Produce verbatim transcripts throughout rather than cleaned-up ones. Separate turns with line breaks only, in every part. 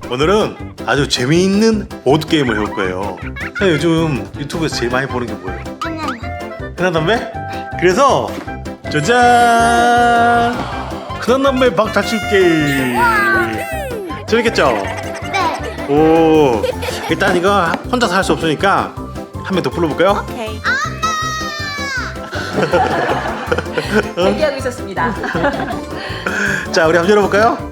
오늘은 아주 재미있는 보드게임을 해볼 거예요. 자, 요즘 유튜브에서 제일 많이 보는 게 뭐예요? 흔한 담배? 그래서 짜잔! 흔한 담배 박탈출 게임. 재밌겠죠?
네.
오, 일단 이거 혼자서 할 수 없으니까 한 명 더 불러볼까요?
오케이. 대기하고 있었습니다.
자, 우리 한번 열어볼까요?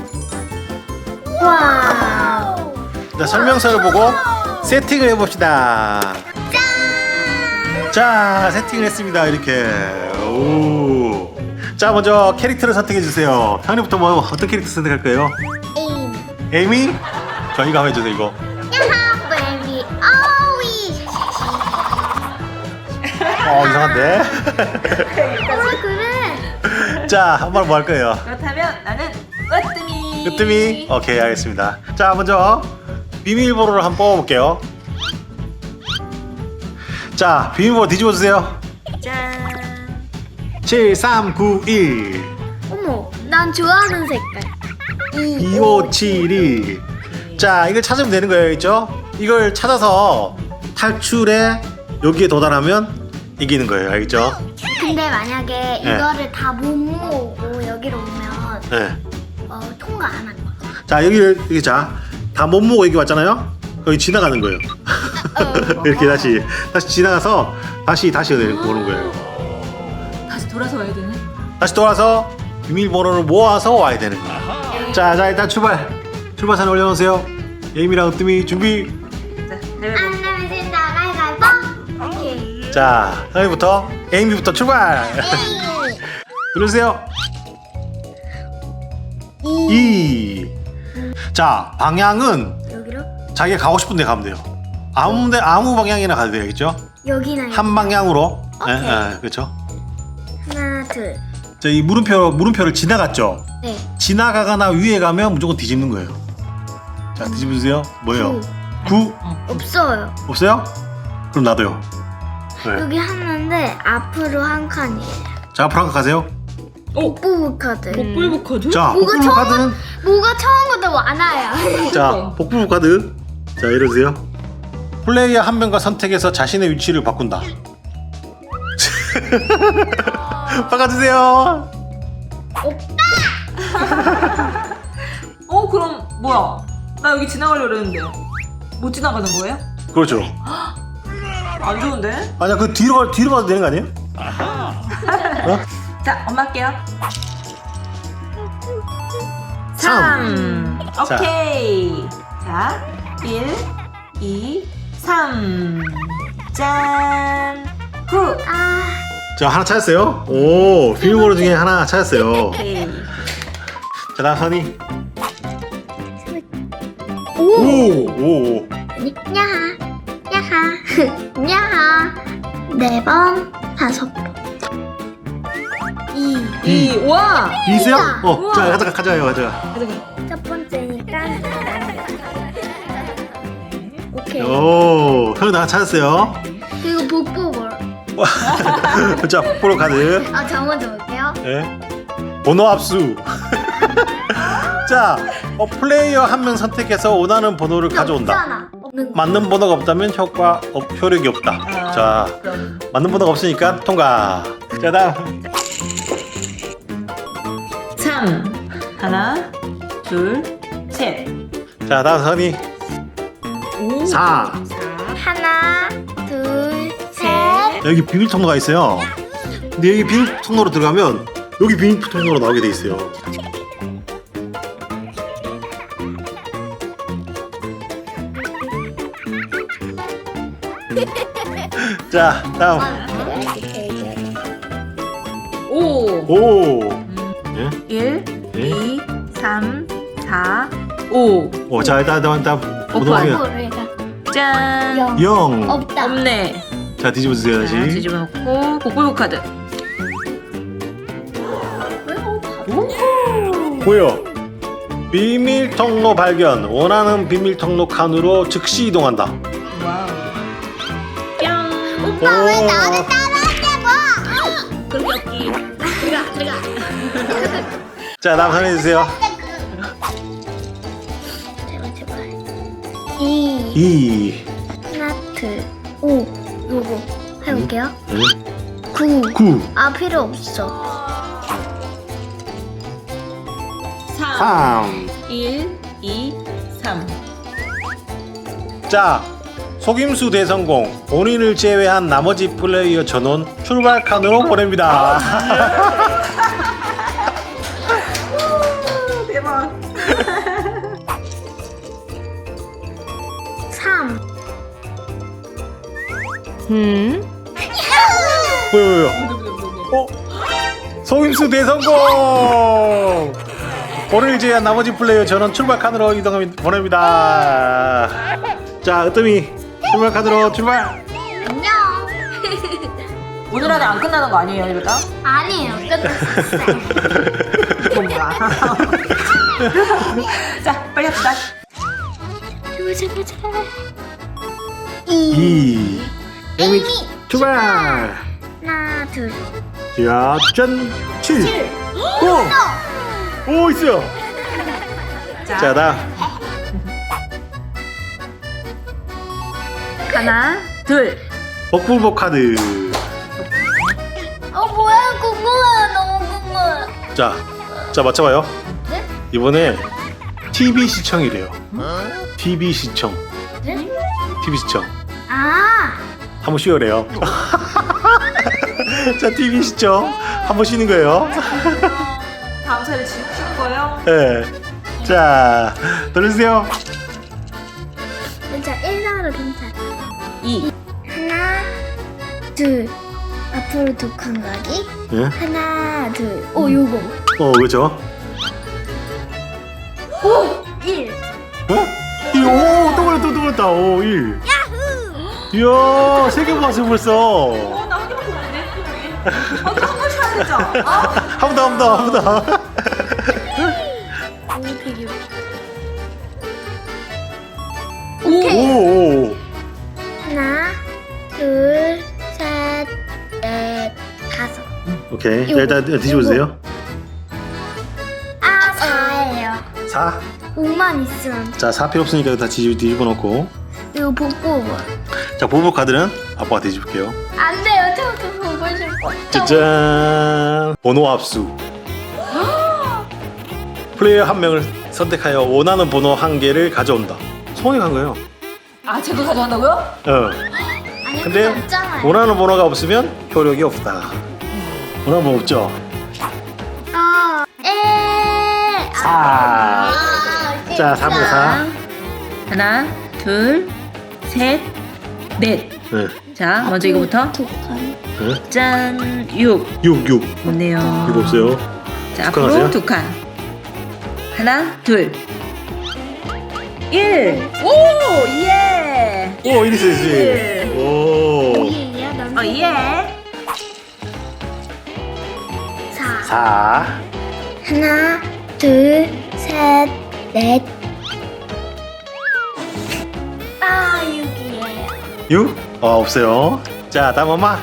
와.
자, 설명서를 보고 세팅을 해봅시다.
짠.
자, 세팅을 했습니다. 이렇게. 오. 자, 먼저 캐릭터를 선택해 주세요. 형님부터 뭐 어떤 캐릭터 선택할 거예요?
에임.
에이미? 저 이거 한번 해주세요. 이거.
야하 베이비 오위.
어, 이상한데.
왜 그래?
자, 한번 뭐 할 거예요?
그렇다면 나는 으뜸이.
으뜸이. 오케이, 알겠습니다. 자, 먼저 비밀번호를 한번 뽑아볼게요. 자, 비밀번호 뒤집어 주세요.
짠.
칠 삼 구 일
어머, 난 좋아하는 색깔.
이오칠이. 자, 이걸 찾으면 되는 거예요, 있죠? 이걸 찾아서 탈출에 여기에 도달하면 이기는 거예요, 알겠죠?
근데 만약에
네.
이거를 다 못 모으고 여기로 오면
네.
어, 통과 안 할 거야.
자, 여기를 여기 자, 다 못 모고 여기 왔잖아요. 거기 지나가는 거예요. 이렇게 다시 다시 지나가서 다시 다시 오는 거예요.
다시 돌아서 와야 되네.
다시 돌아서 비밀번호를 모아서 와야 되는 거예요. 자, 자 일단 출발. 출발선 올려놓으세요. 에이미랑 으뜸이 준비.
자, 내가
안 내면 진다 가위가위보. 오케이.
자, 형이부터 에이미부터 출발. 누르세요. 이. 자, 방향은
여기로?
자기가 가고 싶은 데 가면 돼요. 아무 데 아무 방향이나 가도 되겠죠?
여기나 여기.
한 방향으로. 예,
오케이.
예, 그렇죠.
하나 둘.
자, 이 물음표 물음표를 지나갔죠.
네.
지나가거나 위에 가면 무조건 뒤집는 거예요. 자, 뒤집으세요. 뭐예요? 구
없어요.
없어요? 그럼 나도요. 네.
여기 하나인데 앞으로 한 칸이에요.
자, 앞으로 한칸 가세요.
오.
복부 카드.
복불복 카드?
자,
뭐가
복불복
처음
카드는
뭐가 처음부터 많아요.
자, 복불복 카드. 자, 이러세요. 플레이어 한 명과 선택해서 자신의 위치를 바꾼다. 바꿔주세요.
어 그럼 뭐야? 나 여기 지나가려고 그랬는데 못 지나가는 거예요?
그렇죠.
안 좋은데?
아니야, 그 뒤로 가- 뒤로 가도 되는 거 아니에요? 어?
자, 엄마 할게요.
삼.
삼. 오케이. 자, 일, 이, 삼. 짠. 구.
아,
자, 하나 찾았어요. 오, 비밀번호 중에 하나 찾았어요.
오케이.
자, 다음 선이.
오.
오, 오.
야하, 야하, 야하. 네 번, 다섯 번. 이.
이. 와.
이 있어요?
이다.
어,
우와.
자, 가자, 가자요, 가자.
첫 번째니까. 오케이.
오, 형이 나 찾았어요.
그리고 복부 볼.
자, 복불호 카드.
아, 저 먼저 볼게요.
네. 번호 압수. 자, 어, 플레이어 한 명 선택해서 원하는 번호를 가져온다.
없잖아. 없는 거.
맞는 번호가 없다면 효과 없, 효력이 없다.
아,
자,
그럼.
맞는 번호가 없으니까 통과. 자, 다음.
삼. 하나, 둘, 셋.
자, 다음 선이.
오.
사.
하나, 둘, 셋.
여기 비밀 통로가 있어요. 근데 여기 비밀 통로로 들어가면 여기 비밀 통로로 나오게 돼 있어요. 자, 다음.
오.
오. 예?
일,
예?
이, 삼, 사, 오.
오, 자, 일단 일단 일단
오빠.
보도록
복부를
짠.
영.
영.
없다.
없네.
자, 뒤집어 주세요,
자,
다시.
뒤집어 놓고 복불복 카드.
보여. 비밀 통로 발견. 원하는 비밀 통로 칸으로 즉시 이동한다.
와우. 뿅.
오빠 왜
오.
나를 따라하냐고?
그렇게 없기.
들어가, 들어가.
자, 다음 선해 주세요.
이.
이.
하트. 오. 요거 해볼게요.
네.
구.
구.
아 필요 없어.
삼,
삼.
일, 이, 삼.
자, 속임수 대성공. 본인을 제외한 나머지 플레이어 전원 출발 칸으로 보냅니다.
대박.
삼.
음.
뭐야, 뭐야. 어? 속임수 대성공! 본인을 제외한 나머지 플레이어 전원 출발 칸으로 이동합니다. 보냅니다. 자, 으뜸이 출발 칸으로 출발!
안녕.
오늘 안에 안 끝나는 거 아니에요, 이러다?
아니에요. 끝났어요.
뭔가. 자, 빨리 합시다.
보자 보자. 이.
이.
에이미.
출발!
하나 둘.
자, 짠! 칠!
칠.
오! 오, 있어요!
자,
자, 다음.
하나, 둘.
복불복 카드.
어 뭐야 궁금해 너무 궁금해.
자, 자, 맞춰봐요.
네?
이번에 티비 시청이래요. 티비 시청.
네?
티비 시청.
아.
한번 쉬어래요. 자, 티비 시청. 한번 쉬는 거예요.
다음 차례 지금 치는 거예요?
네. 자, 돌려주세요.
괜찮아. 일 나와도 괜찮아.
이.
하나 둘. 앞으로 두 칸 가기.
네?
하나 둘. 오 요거.
어, 그렇죠?
오. 일.
어? 이, 오, 또 걸렸다, 또 걸렸다. 오, 일. 이야, 세 개 봤어, 벌써.
어, 나 한 개밖에 없는데. 아, 또한 번씩 해야 되죠? 아,
한 번 더, 한 번 더, 한 번 더.
오 되게.
오.
오, 오.
하나 둘 셋 넷 다섯.
오케이. 자,
요거,
일단 뒤집어주세요.
아 사예요.
사.
오만 있으면.
자, 사 필요 없으니까 다 뒤집, 뒤집어 놓고.
이거 보고.
자, 보복 카드는 아빠가 뒤집을게요.
안 돼요. 저도 보고 싶어.
짜잔! 번호 합수. 플레이어 한 명을 선택하여 원하는 번호 한 개를 가져온다. 소원이 간 거예요.
아, 제가 가져간다고요?
어.
아니
근데
근데 없잖아요.
원하는 번호가 없으면 효력이 없다. 원하는 번호 없죠?
아, 에.
사.
아,
자, 삼으로 사.
하나, 둘, 셋, 넷.
네.
자, 먼저 이거부터.
두 칸.
네.
짠, 육.
육, 육.
좋네요.
이거 없어요.
자,
두 칸
앞으로
하세요?
두 칸. 하나, 둘. 일. 오, 예.
오, 일 있어야지.
예.
오.
오예야 난.
어, 예.
사.
사.
하나, 둘, 셋, 넷. 아, 육이에요.
육? 어, 없어요. 자, 다음 엄마.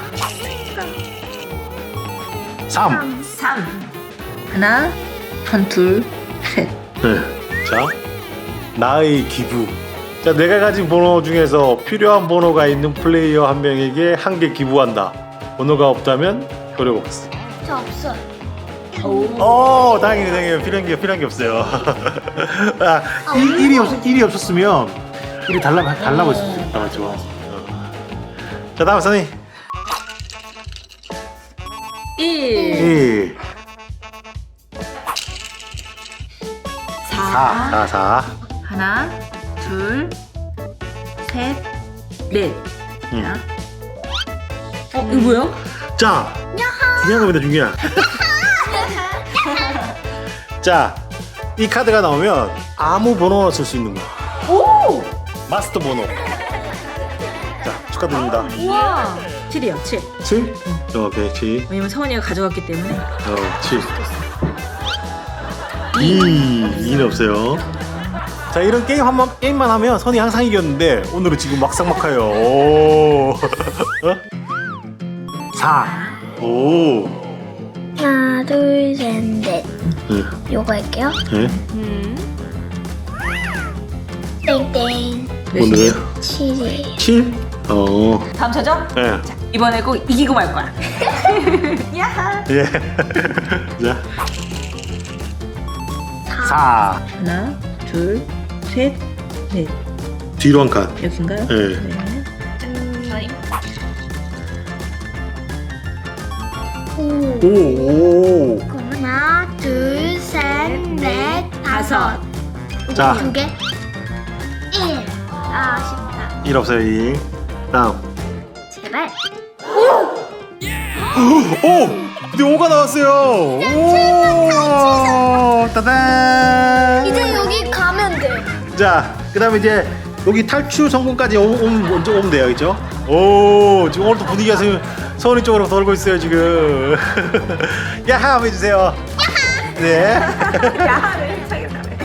삼.
삼. 하나, 한, 둘, 셋.
네. 자, 나의 기부. 자, 내가 가진 번호 중에서 필요한 번호가 있는 플레이어 한 명에게 한 개 기부한다. 번호가 없다면 효력 없어.
저 없어요.
오.
어, 다행이네, 다행이네. 필요한 게 필요한 게 없어요. 아, 일, 일이 없 일이 없었으면 일이 달라 달라고 했을 때 맞죠. 어. 자, 다음 선이.
일.
일,
사.
사, 사, 사.
하나, 둘, 셋, 넷.
응.
자. 어, 이거 뭐야?
자, 중요한 겁니다, 중요한. 자, 이 카드가 나오면 아무 번호나 쓸 수 있는 거야.
오!
마스터 번호. 자, 축하드립니다.
우와. 칠이요, 칠.
칠? 오케이, 칠.
왜냐면 서원이가 가져갔기 때문에.
어, 칠. 이, 이는 없어요. 자, 이런 게임 한 번, 게임만 하면 선이 항상 이겼는데 오늘은 지금 막상막하요. 오. 어? 사. 오.
하나, 둘, 셋, 넷.
네.
요거 할게요.
네.
음.
땡땡.
오늘
칠이.
칠? 어.
다음 저죠?
예.
자, 이번에 꼭 이기고 말 거야. 야하.
예. 자. 사.
하나, 둘, 셋, 넷.
뒤로 한 칸.
여긴가요?
예.
네. 저희
오.
오, 오.
하나, 둘, 셋, 넷, 다섯.
자.
두 개. 일. 아, 아쉽다.
일 없어요, 일. 다음.
제발.
오! 근데 오가 나왔어요. 오! 따단!
이제 여기 가면 돼.
자, 그 다음에 이제 여기 탈출 성공까지 오- 오면 먼저 오면 돼요, 그죠? 오, 지금 오늘도 분위기가 지금 서울이 쪽으로 돌고 있어요, 지금. 야하! 한번 해주세요. 야하! 네.
야하를 차겠다네.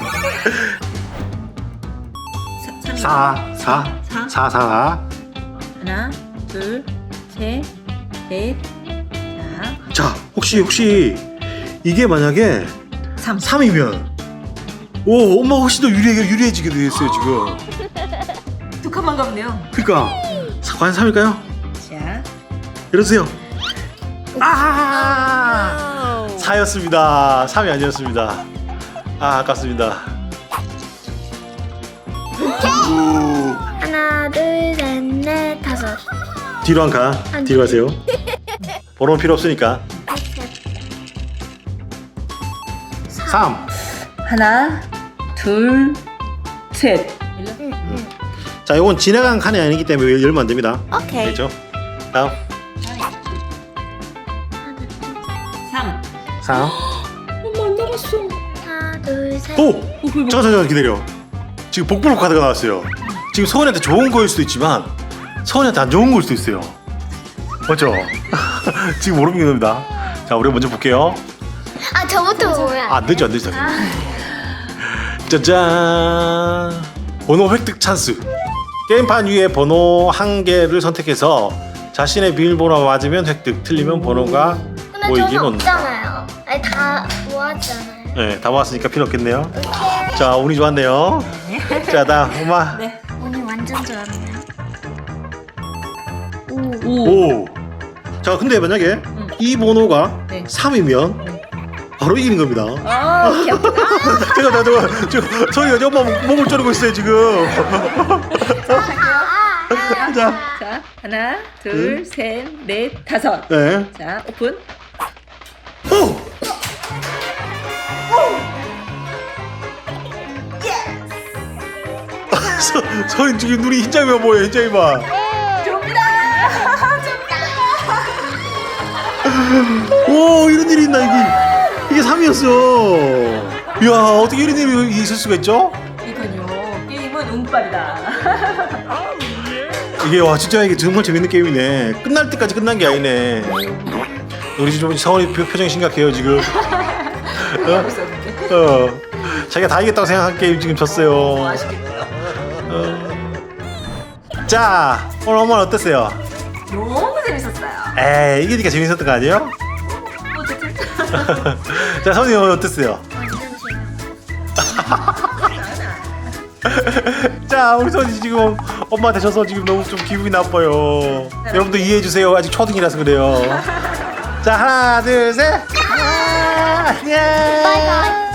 사, 사, 사, 사.
하나, 둘, 셋, 넷. 자,
자, 혹시, 혹시 이게 만약에
삼.
삼이면 오, 엄마 훨씬 더 유리해, 유리해지게 됐어요, 지금.
두 칸만 가면 돼요.
그니까, 과연 삼일까요?
자,
이러세요. 아! 사였습니다. 삼이 아니었습니다. 아, 아깝습니다. 우,
하나, 둘, 셋, 넷, 다섯.
뒤로 한 칸. 뒤로 가세요. 번호는 필요 없으니까. 삼.
하나, 둘, 셋.
자, 이건 지나간 칸이 아니기 때문에 열면 안 됩니다.
오케이.
됐죠? 다음.
삼.
삼.
엄마 안 나갔어.
하나, 둘, 셋.
오! 잠깐, 잠깐, 잠깐 기다려. 지금 복불복 카드가 나왔어요. 지금 서원이한테 좋은 거일 수도 있지만 서원이한테 안 좋은 거일 수도 있어요. 맞죠? 지금 모르는 겁니다. 자, 우리 먼저 볼게요.
아, 저부터 뭐야?
아, 안 되죠, 안 되죠. 짜잔! 번호 획득 찬스. 게임판 위에 번호 한 개를 선택해서 자신의 비밀번호가 맞으면 획득, 틀리면 번호가
근데
보이긴
저는
온다.
없잖아요. 아니, 다 모았잖아요.
네, 다 모았으니까 필요 없겠네요. 자, 운이 좋았네요. 자, 다음 엄마.
네.
오늘 완전 좋았네. 오.
오.
오. 자, 근데 만약에 이 번호가
네.
삼이면 바로 이기는 겁니다.
아, 귀엽다.
제가 나 저거 저 소리가 저 엄마 몸을 조르고 있어요 지금. 자,
자, 하나, 둘, 셋, 넷, 다섯.
네.
자, 오픈.
오. 서, 서인 지금 눈이 흰자위가 뭐예요? 흰자위만.
줍니다.
오, 이런 일이 있나 이게 이게 삼이었어. 이야, 어떻게 이런 일이 있을 수가 있죠?
이건요. 게임은 운빨이다.
이게 와 진짜 이게 정말 재밌는 게임이네. 끝날 때까지 끝난 게 아니네. 우리 지금 서원이 표- 표정이 심각해요 지금. 어?
있었는데.
어. 자기가 다 이겼다고 생각한 게임 지금 졌어요.
아쉽겠네요.
어. 자, 오늘 엄마는 어땠어요?
너무 재밌었어요.
에이, 이기니까 재밌었던 거 아니에요?
어쨌든.
자, 선생님 오늘 어땠어요? 자, 우리 선이 지금 엄마한테 져서 지금 너무 좀 기분이 나빠요. 여러분도 이해해 주세요. 아직 초등이라서 그래요. 자, 하나, 둘, 셋. 아, 예.
바이바이.